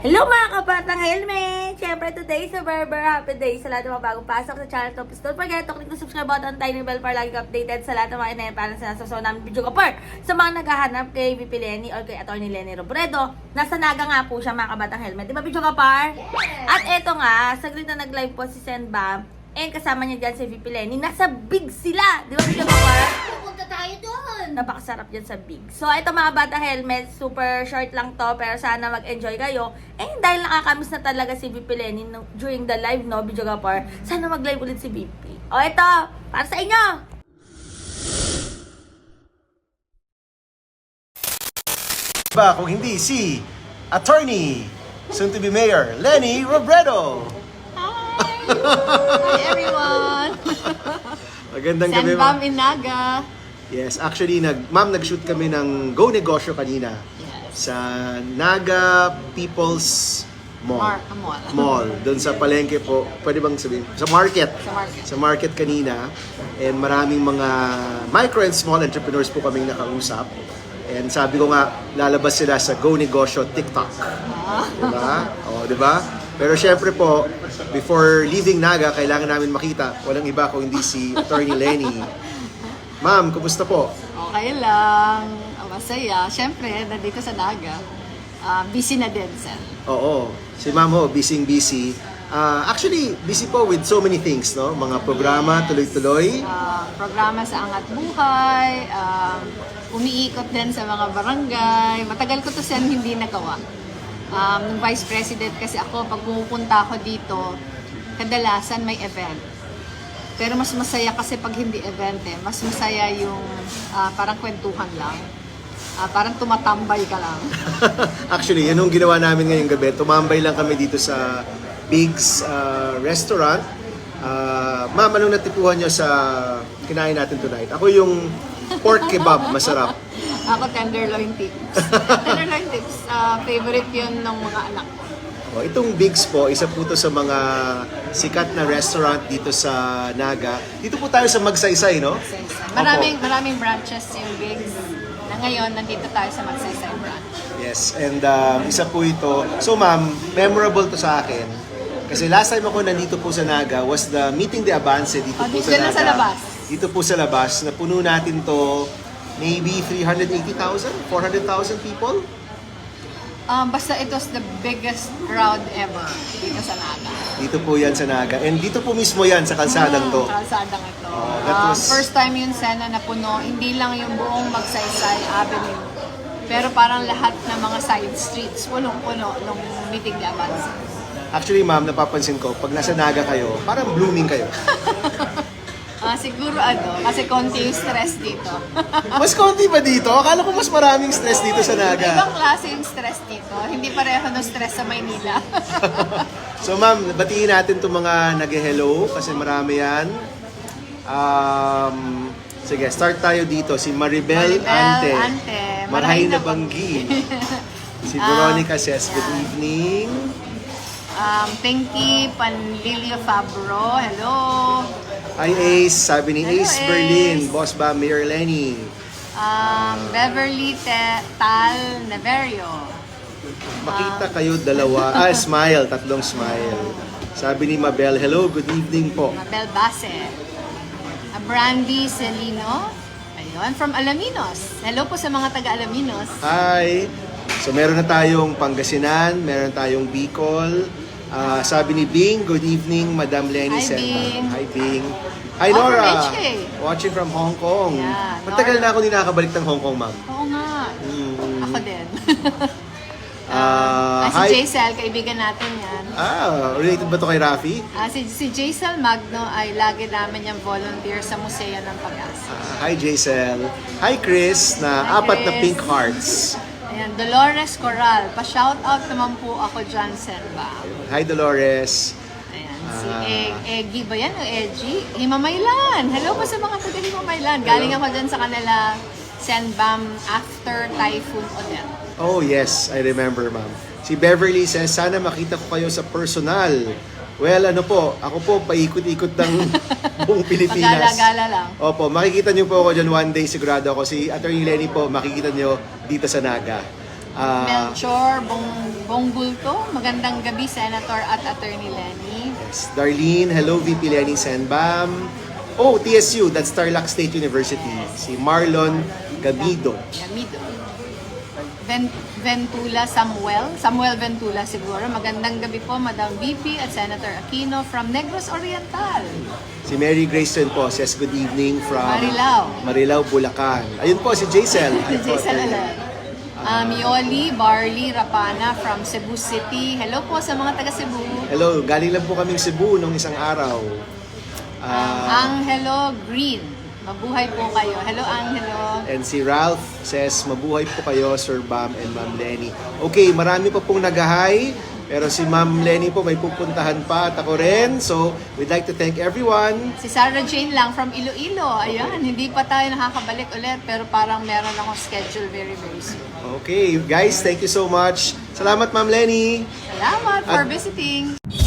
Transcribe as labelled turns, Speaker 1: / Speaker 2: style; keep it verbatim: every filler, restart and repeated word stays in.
Speaker 1: Hello mga kabatang helmet! Siyempre today is a very very happy day sa lahat ng mga bagong pasok sa channel to. Please don't forget to click the subscribe button, tiny bell para lagi updated sa lahat ng mga inayang para sa nasasaw namin video kapar. Sa mga naghahanap kay V P Lenny or kay Atty. Lenny Robredo, nasa Naga nga po siya mga kabatang helmet. Di ba video kapar? At eto nga, saglit na nag-live po si Senbam and kasama niya dyan si V P Lenny. Nasa Big sila! Di ba video kapar?
Speaker 2: Pupunta tayo doon.
Speaker 1: Napakasarap dyan sa Big. So, ito mga bata helmet, super short lang to, pero sana mag-enjoy kayo. Eh, dahil nakakamiss na talaga si V P Lenny no, during the live, no, video kapar, sana mag-live ulit si V P. O, ito, para sa inyo!
Speaker 3: Ba kung hindi si Attorney, soon to be Mayor, Lenny Robredo.
Speaker 2: Hi! Hi everyone!
Speaker 3: Magandang gabi,
Speaker 2: Senbam
Speaker 3: ma'am.
Speaker 2: in Naga.
Speaker 3: Yes, actually, nag, ma'am, nag-shoot kami ng Go Negosyo kanina
Speaker 2: Yes.
Speaker 3: sa Naga People's Mall.
Speaker 2: Mar Mall.
Speaker 3: Mall. Doon sa palengke po, pwede bang sabihin? Sa market.
Speaker 2: Sa market.
Speaker 3: Sa market kanina. And maraming mga micro and small entrepreneurs po kaming nakausap. And sabi ko nga, lalabas sila sa Go Negosyo TikTok.
Speaker 2: Ah.
Speaker 3: Diba? O, diba? Pero syempre po, before leaving Naga, kailangan namin makita, walang iba kung hindi si Attorney Lenny. Ma'am, kumusta po?
Speaker 2: Okay lang. Masaya. Siyempre, nandito sa Naga. Ah, busy na din, Sen.
Speaker 3: Oo. Si Ma'am ho, busy-busy. Ah, actually, busy po with so many things, no? Mga programa, tuloy-tuloy.
Speaker 2: Ah, programa sa Angat Buhay. Um, umiikot din sa mga barangay. Matagal ko to, Sen, hindi nagawa. Um, nung Vice President kasi ako, pag pumupunta ako dito, kadalasan may event. Pero mas masaya kasi pag hindi event eh. Mas masaya yung ah, parang kwentuhan lang. Ah, parang tumatambay ka lang.
Speaker 3: Actually, yan yung ginawa namin ngayong gabi. Tumambay lang kami dito sa Big's ah, Restaurant. Ah, Ma'am, anong natipuhan nyo sa kinain natin tonight? Ako yung pork kebab, masarap.
Speaker 2: Ako tenderloin tips. Tenderloin tips, ah, favorite yun ng mga anak ko.
Speaker 3: Oh, itong Big's po, isa po to sa mga sikat na restaurant dito sa Naga. Dito po tayo sa Magsaysay, no?
Speaker 2: Maraming maraming branches yung Bigs. Na ngayon, nandito tayo sa Magsaysay branch.
Speaker 3: Yes, and um, isa po ito. So ma'am, memorable to sa akin. Kasi last time ako nandito po sa Naga was the Meeting de Avance dito
Speaker 2: Oh,
Speaker 3: po
Speaker 2: dito
Speaker 3: sa
Speaker 2: na
Speaker 3: Naga.
Speaker 2: sa labas.
Speaker 3: Dito po sa labas. Napuno natin to maybe three hundred eighty thousand, four hundred thousand people.
Speaker 2: Um, basta it was the biggest crowd ever dito sa Naga.
Speaker 3: Dito po yan sa Naga. And dito po mismo yan sa kalsadang to.
Speaker 2: Hmm, kalsadang ito.
Speaker 3: Oh, that
Speaker 2: Um,
Speaker 3: was-
Speaker 2: first time yun sana na puno, hindi lang yung buong Magsaysay Avenue. Pero parang lahat ng mga side streets, punong-puno nung Meeting de Avance.
Speaker 3: Actually ma'am, napapansin ko, pag nasa Naga kayo, parang blooming kayo.
Speaker 2: Ah, siguro ano, kasi konti yung stress dito.
Speaker 3: Mas konti ba dito? Akala ko mas maraming stress dito sa Naga.
Speaker 2: Ibang klase yung stress dito. Hindi pareho ng stress sa Maynila.
Speaker 3: So ma'am, batiin natin itong mga nag-hello kasi marami yan. Um, sige, start tayo dito. Si Maribel,
Speaker 2: Maribel
Speaker 3: Ante.
Speaker 2: Ante.
Speaker 3: Marhay na
Speaker 2: Marhay na
Speaker 3: Banggi. Si
Speaker 2: Ah,
Speaker 3: Veronica says, good
Speaker 2: yeah.
Speaker 3: evening.
Speaker 2: Um, Pinky Panlilio Fabro. Hello.
Speaker 3: Hi Ace, sabi ni
Speaker 2: Hello,
Speaker 3: Ace Berlin.
Speaker 2: Ace.
Speaker 3: Boss ba, Mayor Lenny?
Speaker 2: Um, Beverly Te Tal Neverio.
Speaker 3: Makita kayo dalawa. Ah, smile. Tatlong smile. Sabi ni Mabel, hello, good evening po.
Speaker 2: Mabel Base. Uh, Brandy Celino. Ayun, from Alaminos. Hello po sa mga taga Alaminos.
Speaker 3: Hi! So meron na tayong Pangasinan, meron tayong Bicol. Ah, sabi ni Bing, good evening, Madam Lenny
Speaker 2: Hi,
Speaker 3: Senbam.
Speaker 2: Bing.
Speaker 3: Hi, Bing. Hi,
Speaker 2: Oh,
Speaker 3: Nora.
Speaker 2: from H K.
Speaker 3: Watching from Hong Kong.
Speaker 2: Yeah,
Speaker 3: Matagal
Speaker 2: Nora.
Speaker 3: na ako hindi nakakabalik ng Hong Kong, ma'am.
Speaker 2: Oo nga.
Speaker 3: Mm.
Speaker 2: Ako din.
Speaker 3: Ah,
Speaker 2: Ah,
Speaker 3: hi.
Speaker 2: si Jaisel, kaibigan natin yan.
Speaker 3: Ah, related ba to kay Rafi?
Speaker 2: Ah, si, si Jaisel Magno ay lagi namin yung volunteer sa Museo ng Pag-asa.
Speaker 3: Ah, hi, Jaisel. Hi, Chris, na
Speaker 2: Hi,
Speaker 3: apat na
Speaker 2: Chris.
Speaker 3: pink hearts.
Speaker 2: Ayan, Dolores Coral. Pa-shoutout naman po ako dyan, Senba.
Speaker 3: Hi, Dolores.
Speaker 2: Ayan, si
Speaker 3: Ah.
Speaker 2: Eg Eggy ba yan o Eggy? Himamaylan. Hello po sa mga taga Himamaylan. Galing ako dyan sa kanila, Senbam, after Typhoon Odette.
Speaker 3: Oh, yes. I remember, ma'am. Si Beverly says, sana makita ko kayo sa personal. Well, ano po, ako po paikot-ikot ng buong Pilipinas.
Speaker 2: Magala-gala lang.
Speaker 3: Opo, makikita niyo po ako dyan one day, sigurado ako. Si Attorney Lenny po, makikita niyo dito sa Naga. Ah,
Speaker 2: Melchor Bong Bonggulto, magandang gabi, Senator at Attorney Lenny.
Speaker 3: yes. Darlene, hello V P Lenny Sanbam. Oh, T S U, that's Tarlac State University. Si Marlon Gabido.
Speaker 2: Yamido. Ven- Ventula Samuel, Samuel Ventula siguro. Magandang gabi po, Madam V P at Senator Aquino from Negros Oriental.
Speaker 3: Si Mary Grace rin po says good evening from
Speaker 2: Marilao.
Speaker 3: Marilao, Bulacan. Ayun po si Jaisel. Hi po,
Speaker 2: Jason
Speaker 3: Attorney.
Speaker 2: Alan. Um, Yoli Barley Rapana from Cebu City. Hello po sa mga taga Cebu.
Speaker 3: Hello, galing lang po kaming Cebu nung isang araw.
Speaker 2: Um,
Speaker 3: Ah,
Speaker 2: Angelo Green. Mabuhay po kayo. Hello, Angelo.
Speaker 3: and si Ralph says, mabuhay po kayo, Sir Bam and Ma'am Lenny. Okay, marami pa pong nag-hi, pero si Ma'am Lenny po may pupuntahan pa at ako rin. So, we'd like to thank everyone.
Speaker 2: Si Sarah Jane lang from Iloilo. Ayan, hindi pa tayo nakakabalik ulit pero parang meron akong schedule very, very soon.
Speaker 3: Okay, guys, thank you so much. Salamat, Ma'am Lenny.
Speaker 2: Salamat for
Speaker 3: At-
Speaker 2: visiting.